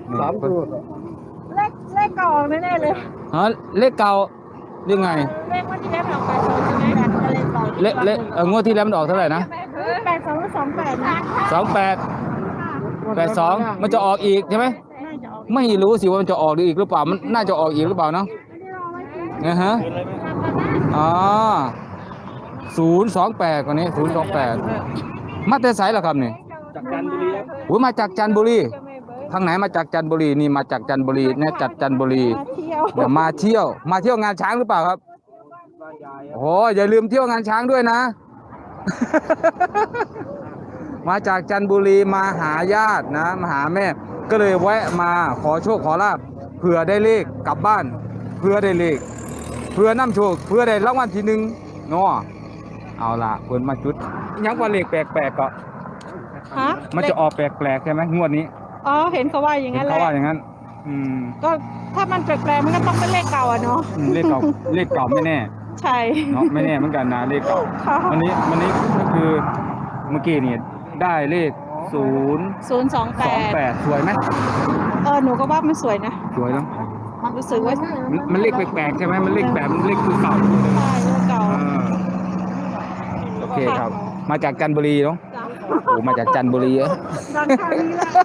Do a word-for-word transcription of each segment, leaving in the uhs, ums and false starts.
สามตัวเลขเลขเก่าแน่ๆเลยฮะเลขเก่ายังไงเลขวันที่แล้วออกแปดสองใช่ไหมเลขเก่าเลขเลขเอองวดที่แล้วมันออกเท่าไหร่นะแปดสองหรือสองแปดนะสองแปดแปดสองมันจะออกอีกใช่ไหมน่าจะออกไม่รู้สิว่ามันจะออกอีกหรือเปล่ามันน่าจะออกอีกหรือเปล่าเนาะนะฮะอ๋อศูนย์สองแปดกว่านี้ศูนย์สองแปดมาแต่ไสเหรอครับนี่จากจันทบุรีครับโอ้ยมาจากจันทบุรีทางไหนมาจากจันทบุรีนี่มาจากจันทบุรีเนี่ยจัดจันทบุรีมาเที่ยวเดี๋ยวมาเที่ยวมาเที่ยวงานช้างหรือเปล่าครับบ้านยายโอ้อย่าลืมเที่ยวงานช้างด้วยนะ มาจากจันทบุรีมาหาญาตินะมาหาแม่ ก็เลยแวะมาขอโชคขอลาบเผื่อได้เลขกลับบ้านเพื่อได้เลขเพื่อน้ำโชคเพื่อได้รางวัลที่หนึ่งเนาะเอาล่ะเพิ่นมาจุดยังว่าเลขแปลกๆก็ฮะมันจะออกแปลกๆใช่ไหมงวดนี้อ๋อเห็นเขาว่าอย่างเห็นั้น นแหเขาละว่าอย่างนั้น อืมก็ถ้ามันแปลกๆมันก็ต้องเป็นเลขเก่าอะเนาะอืมเลขเก่าเลขเก่าไม่แน่ใช่เนาะไม่แน่เหมือนกันนะเลขเก่าค่ะวันนี้วันนี้ก็คือเมื่อกี้นี่ได้เลขศูนย์ศูนย์สองแปสองดแปดสวยไหมเออหนูก็ว่ามันสวยนะสวยเนาะรู้สึกว่ามันมันเลขแปลกๆใช่ไหมมันเลขแบบมันเลขคือเก่าใช่เลขเก่าอ่าโอเคครับ มาจากจันทบุรีเนาะจ้ะโอ้มาจากจันทบุรีเออดังคราวนี้แหละ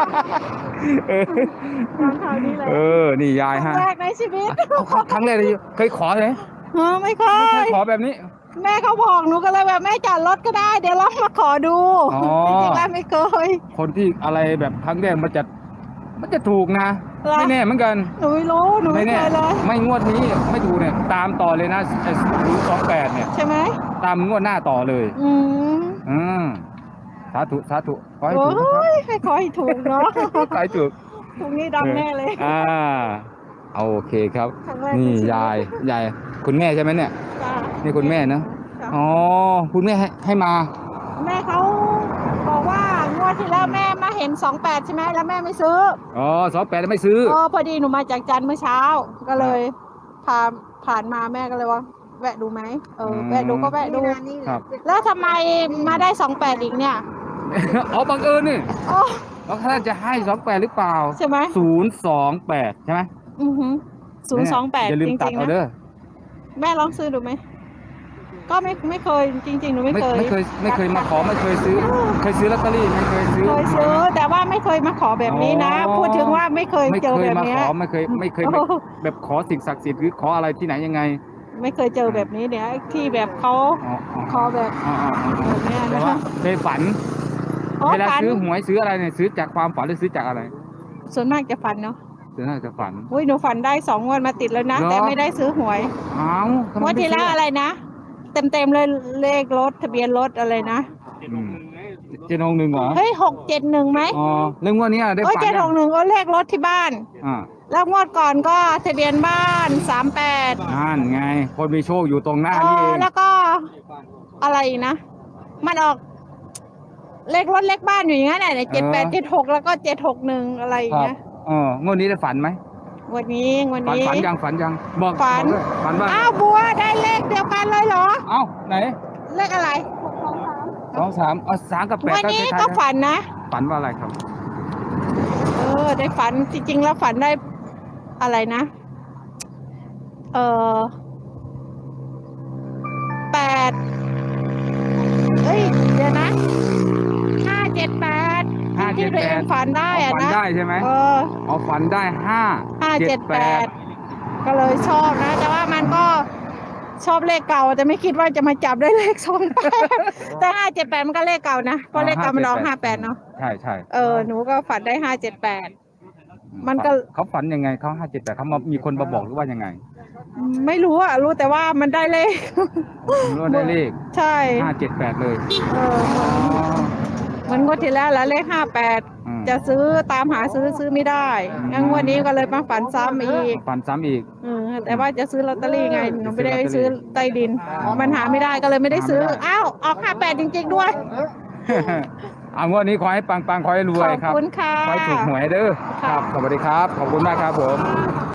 ดังคราวนี้แหละเออนี่ยายครั้ฮะงแรกในชีวิตครั้งแรกเลยเคยขอเลยเออไม่เคไม่เคยยขอแบบนี้แม่เขาบอกหนูก็เลยแบบแม่จอดรถก็ได้ เดี๋ยวลองมาขอดูอ๋อจริงๆแล้วไม่เคยคนที่อะไรแบบครั้งแรกมันจะมันจะถูกนะเหรอไม่แน่เหมือนกันหนูไม่รู้หนูไม่เคแน่ยเลยไม่งวดนี้ไม่ถูกเนี่ยตามต่อเลยนะศูนย์สองแปดเนี่ยใช่ไหมตามงวดหน้าต่อเลยอืมอืมสาธุสาธุขอให้โอ้ถูกนะครับยให้ขอให้ถูกเนาะขอให้ถูกถูกนี่ดังแน่เลยอ่าเอาโอเคครับครั้งแรกนี่ในชีวิตยายยายคุณแม่ใช่ไหมเนี่ยจ้ะนี่คุณแม่เนอะจ้ะอ๋อคุณแม่ให้ให้มาแม่เขาบอกว่างวดที่แล้วแม่มาเห็นสองแปดใช่ไหมแล้วแม่ไม่ซื้ออ๋อสองแปดไม่ซื้อเออพอดีหนูมาจากจันทร์เมื่อเช้า ก็เลยพาผ่านมาแม่ก็เลยว่า แวะดูไหมเออแวะดูก็แวะดูครับแล้วทำไมมาได้สองแปดอีกเนี่ยอ๋อบังเอิญนี่โอ้แล้วท่านจะให้สองแปดหรือเปล่าใช่ไหมศูนย์สองแปดใช่ไหมอือหือศูนย์สองแปดอย่าลืจมตัดริงๆเอานะเด้อแม่ลองซื้อดูไหมก็ไม่ไม่เคยจริง ๆ หนูไม่ไม่เคยไม่เคยไม่เคยมาขอไม่เคยซื้อ เคยซื้อลอตเตอรี่ไม่เคยซื้อเคยซื้อ แต่ว่าไม่เคยมาขอแบบนี้นะอ๋อพูดถึงว่าไม่เคยไม่เจอเคยแบบมาเนี้ขยอไม่เคยไม่เคยโอ้แบบแบบขอสิ่งศักดิ์สิทธิ์หรือขออะไรที่ไหนยังไงไม่เคยเจอแบบนี้เนี่ยที่แบบเขาอ๋ออ๋อขอแบบอ๋ออ๋ออ๋อแบบเนี้ยแต่นะว่าคะเคยฝันอ๋อเวลาฝันซื้อหวยซื้ออะไรเนี่ยซื้อจากความฝันหรือซื้อจากอะไรส่วนมากจะฝันเนาะซื้อน่าจะฝันอุ้ยหนูฝันได้สองงวดมาติดแล้วนะเหรอแต่ไม่ได้ซื้อหวยอ้าวทำไมงวดไม่ที่แล้วซื้ออะไรนะ เต็มเต็มๆเลยเลขรถทะเบียนรถอะไรนะอืมเจนงหนึ่งเหรอเฮ้ยหกเจ็ดหนึ่งไหมอ๋อเรื่องงว่านี้ได้โอ้ยฝันเจ็ดหกหนึ่งก็เลขรถที่บ้านอ่าแล้วงวดก่อนก็ทะเบียนบ้านสามแปดนั่นไง คนมีโชคอยู่ตรงหน้าเอนี่เออง แล้วก็อะไรอีกนะ มันออก เลขรถเลขบ้านอยู่อย่างนั้นแหละเจ็ดแปดเจ็ดหกแล้วก็เจ็ดหกหนึ่งอะไรอคย่างรับเงี้ยเอองวดนี้ได้ฝันไหมวันนี้วันฝันนี้ฝันยังฝันยังบอกฝันบอกด้วยฝันว่าอ้าวบัวได้เลขเดียวกันเลยเหรอเอ้าไหนเลขอะไรสองสามเอาสามกับแปดวันนี้คล้ายๆก็กัฝันนะฝันว่าอะไรครับเออ ได้ฝันจริงๆแล้วฝันได้อะไรนะ เออแปดเอ้ยเดี๋ยวนะห้าเจ็ดแปดห้าเจ็ที่ดตัวแปเอดงฝันได้อะฝันนะได้ใช่ไหมเออเอาฝันได้ห้าห้าเจ็ดแปดก็เลยชอบนะ แต่ว่ามันก็ชอบเลขเก่าแต่ไม่คิดว่าจะมาจับได้เลขสองแปดแต่ห้าเจ็ดแปดมันก็เลขเก่านะเพราะเลขเก่ามันออกห้าแปดเนาะใช่ใช่เออหนูก็ฝันได้ห้าเจ็ดแปด มันก็เขาฝันยังไงเขาห้าเจ็ดแปดเขามามีคนมาบอกหรือว่ายังไงไม่รู้อะรู้แต่ว่ามันได้เลขรู้ว่าได้เลขใช่ห้าเจ็ดแปดเลยเออเหมันงวดที่แล้วแล้วเลขห้าแปดอืมจะซื้อตามหาซื้อซื้อไม่ได้งั้นงวดนี้ก็เลยมาฝันซ้ำอีกฝันซ้ำอีกเออแต่ว่าจะซื้อลอตเตอรี่ไงหนูไม่ได้ซื้อใต้ดินมันหาไม่ได้ก็เลยไม่ได้ซื้อหาไม่ได้อ้าวออกห้าแปดจริง ๆ ด้วยเอางวดนี้ขอให้ปังปังๆขอให้รวยขอบครับคุณค่ะขอให้ถูกหวยเด้อค่ะครับ สวัสดีครับ ขอบคุณมากครับผม